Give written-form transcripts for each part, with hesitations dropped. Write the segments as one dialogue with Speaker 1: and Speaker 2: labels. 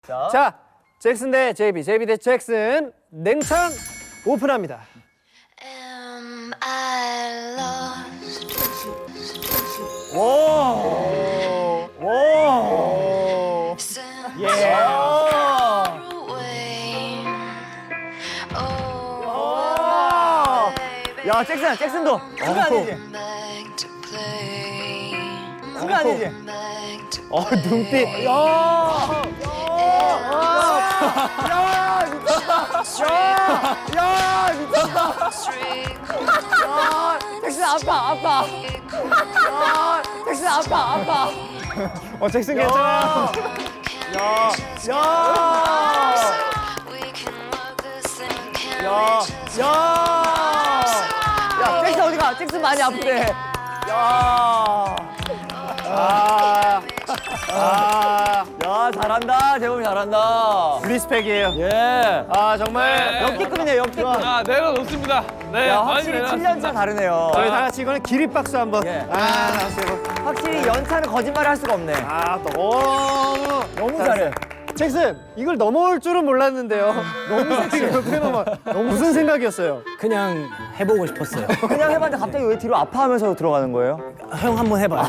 Speaker 1: 자, 잭슨 대 제이비, 제이비 대 잭슨. 냉창 오픈합니다.
Speaker 2: Am I lost?
Speaker 1: 예.
Speaker 2: Far away. Oh, baby,
Speaker 3: 야, 잭슨도. 그거 아니지?
Speaker 2: back to play.
Speaker 3: 그거 아니지?
Speaker 2: Back to
Speaker 3: 눈빛.
Speaker 2: street.
Speaker 3: 잭슨 아빠. 잭슨 아빠.
Speaker 1: 잭슨 괜찮아.
Speaker 2: We can work this and can
Speaker 3: 야,
Speaker 2: we just
Speaker 3: 야, 잭슨 어디가? 잭슨 많이 아픈데. 야, 잘한다. 재범이 잘한다.
Speaker 1: 리스펙이에요.
Speaker 3: 예.
Speaker 1: 아, 정말.
Speaker 3: 역대급이네, 역대급.
Speaker 4: 자, 내려놓습니다. 네,
Speaker 3: 야,
Speaker 4: 많이
Speaker 3: 확실히
Speaker 4: 내려놨습니다.
Speaker 3: 7년차 다르네요.
Speaker 1: 저희 다 같이 이거는 기립박수 한번.
Speaker 3: 예.
Speaker 1: 나왔어요.
Speaker 3: 확실히 연차는 거짓말을 할 수가 없네.
Speaker 1: 너무
Speaker 3: 잘해.
Speaker 1: 잭슨, 이걸 넘어올 줄은 몰랐는데요. 너무 섹시해요. 무슨 생각이었어요?
Speaker 5: 그냥 해보고 싶었어요.
Speaker 3: 그냥 해봤는데 갑자기 왜 뒤로 아파하면서 들어가는 거예요?
Speaker 5: 형 한번 해봐.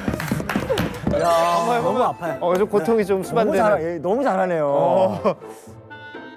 Speaker 3: 야,
Speaker 5: 너무 아파요.
Speaker 1: 좀 고통이 좀
Speaker 3: 너무
Speaker 1: 수반되는.
Speaker 3: 너무 잘하네요.